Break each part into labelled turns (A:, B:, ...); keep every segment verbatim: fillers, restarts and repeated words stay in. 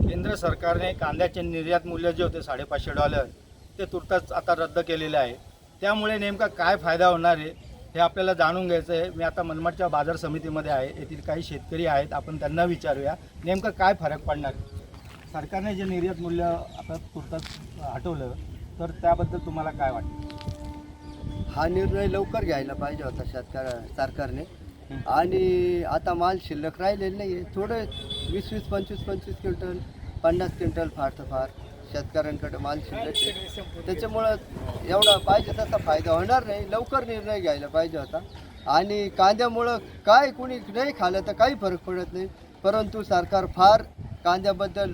A: केंद्र सरकारने कांद्याचे निर्यात मूल्य जे होते साडेपाचशे डॉलर ते तुर्तास आता रद्द केलेले आहे. त्यामुळे नेमका काय फायदा होणार आहे हे आपल्याला जाणून घ्यायचं आहे. मी आता मनमाडच्या बाजार समितीमध्ये आहे. येथील काही शेतकरी आहेत, आपण त्यांना विचारूया नेमकं काय फरक पडणार. सरकारने जे निर्यात मूल्य आता तुर्तास हटवलं तर त्याबद्दल तुम्हाला काय वाटतं?
B: हा निर्णय लवकर घ्यायला पाहिजे होता शेतकऱ्या सरकारने. आणि आता माल शिल्लक राहिलेलं नाही आहे. थोडं वीस वीस पंचवीस पंचवीस क्विंटल पन्नास क्विंटल फार तर फार शेतकऱ्यांकडे माल शिल्लक आहे. त्याच्यामुळं एवढा पाहिजे तसा फायदा होणार नाही. लवकर निर्णय घ्यायला पाहिजे होता. आणि कांद्यामुळं काय कुणी नाही खाल्लं तर काही फरक पडत नाही, परंतु सरकार फार कांद्याबद्दल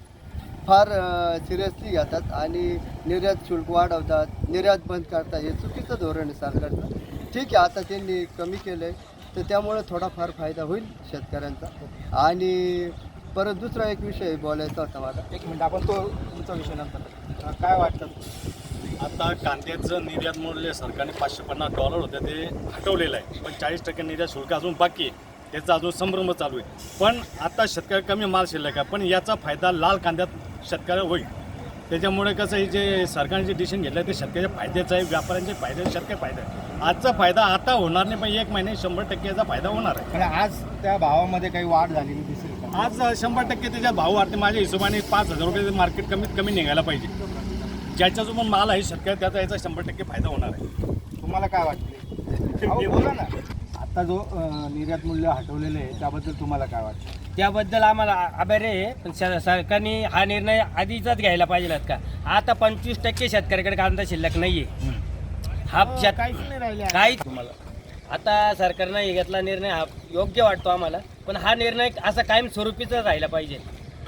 B: फार सिरियसली घेतात आणि निर्यात शुल्क वाढवतात, निर्यात बंद करतात. हे चुकीचं धोरण आहे सरकारचं. ठीक आहे, आता त्यांनी कमी केलं आहे तर त्यामुळे थोडाफार फायदा होईल शेतकऱ्यांचा. आणि परत दुसरा एक विषय बोलायचा होता मला.
A: एक मिनिट, आपण तो तुमचा विषय नंतर. काय वाटतं?
C: आता कांद्याचं निर्यात मूल्य सरकारने पाचशे पन्नास डॉलर होते ते हटवलेलं आहे, पण चाळीस टक्के निर्यात शुल्क अजून बाकी आहे. त्याचा अजून संभ्रम चालू आहे. पण आता शेतकरी कमी माल शिल्लक आहे, पण याचा फायदा लाल कांद्यात शेतकऱ्याला होईल. त्याच्यामुळे कसं आहे, जे सरकारने जे डिसिजन घेतलं आहे ते शेतकऱ्याच्या फायद्याचं आहे, व्यापाऱ्यांचे फायदे, शेतकरी फायदा आहे. आजचा फायदा आता होणार नाही, पण एक महिने शंभर टक्के याचा फायदा होणार आहे.
A: आणि आज त्या भावामध्ये काही वाढ झालेली दिसेल का?
C: आज शंभर टक्के त्याच्या भाव वाढते. माझ्या हिशोबाने पाच हजार रुपये मार्केट कमीत कमी निघायला पाहिजे. ज्याच्या जो पण माल आहे शेतकरी त्याचा याचा शंभर टक्के फायदा होणार आहे.
A: तुम्हाला काय वाटते? अहो, बोला ना. आता जो अं, निर्यात मूल्य हटवलेलं आहे त्याबद्दल तुम्हाला काय वाटतं?
D: त्याबद्दल आम्हाला आभारी आहे, पण स- सरकारने हा निर्णय आधीचाच घ्यायला पाहिजे का. आता पंचवीस टक्के शेतकऱ्याकडे कांदा शिल्लक नाही आहे. हा शेत
A: काहीच नाही राहिले
D: काही
C: तुम्हाला
D: आता सरकारनं हे घेतला निर्णय हा योग्य वाटतो आम्हाला, पण हा निर्णय असा कायम स्वरूपीचा राहिला पाहिजे.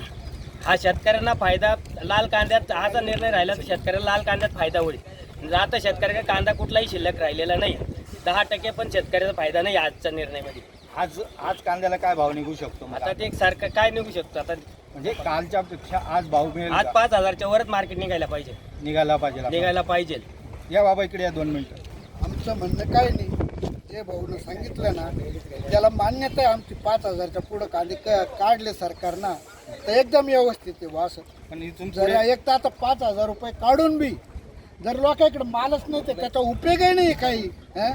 D: हा शेतकऱ्यांना फायदा लाल कांद्यात हा जर निर्णय राहिला तर शेतकऱ्याला लाल कांद्यात फायदा होईल. आता शेतकऱ्याकडे कांदा कुठलाही शिल्लक राहिलेला नाही. दहा टक्के पण शेतकऱ्याचा फायदा नाही आजच्या निर्णयामध्ये.
A: आज आज कांद्याला काय भाव निघू शकतो मला?
D: आता ते एक सरकार काय निघू शकतो. आता
A: म्हणजे कालच्या पेक्षा आज भाव मिळेल
D: आज
A: का?
D: पाच हजारच्या वरच मार्केट निघायला पाहिजे
A: निघायला पाहिजे आपण.
D: निघायला पाहिजे.
A: या बाबा इकडे या दोन मिनिटं.
E: आमचं म्हणणं काय नाही, जे भाऊनं सांगितलं ना त्याला मान्यता आहे आमची. पाच हजारच्या पुढं कांदे क काढले सरकारनं तर एकदम व्यवस्थित आहे बा. असं
A: पण इथून
E: जर
A: पुढे
E: एक तर आता पाच हजार रुपये काढून बी जर लोकांकडे मालच नाही तर त्याचा उपयोगही नाही काही. हं?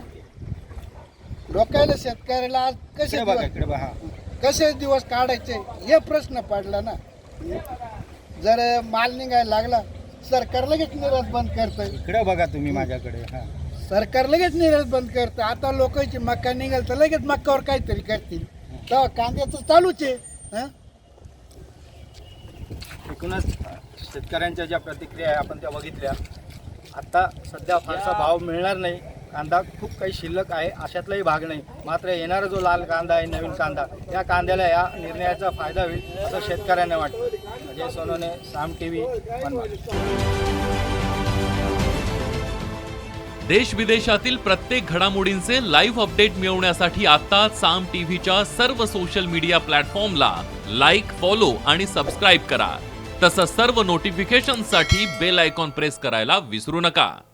E: लोकायला शेतकऱ्याला आज कसे
A: इकडे बघा,
E: दिवस
A: इकडे बघा.
E: कसे दिवस काढायचे हे प्रश्न पडला ना. जर माल निघायला लागला सरकार लगेच निर्यात बंद करतं.
A: इकडे बघा तुम्ही माझ्याकडे. हा,
E: सरकार लगेच निर्यात बंद करतं. आता लोकांची मक्का निघाल तर लगेच मक्कावर काहीतरी करतील. तर कांद्याचं चालूच आहे. हं?
A: एकूणच शेतकऱ्यांच्या ज्या प्रतिक्रिया आहे आपण त्या बघितल्या. आता सध्या फारसा भाव मिळणार नाही. कांदा खूप काही शिल्लक आहे अशातलाही भाग नाही. मात्र येणारा जो लाल कांदा आहे, नवीन कांदा, या कांद्याला या निर्णयाचा फायदा होईल असं शेतकऱ्यांना वाटतं. Ajay Sonawane, Saam T V, Manmad.
F: देश विदेशातील प्रत्येक घडामोडींचे लाईव्ह अपडेट मिळवण्यासाठी आता साम टीव्हीच्या सर्व सोशल मीडिया प्लॅटफॉर्मला लाईक, फॉलो आणि सबस्क्राईब करा. तसंच सर्व नोटिफिकेशनसाठी बेल आयकॉन प्रेस करायला विसरू नका.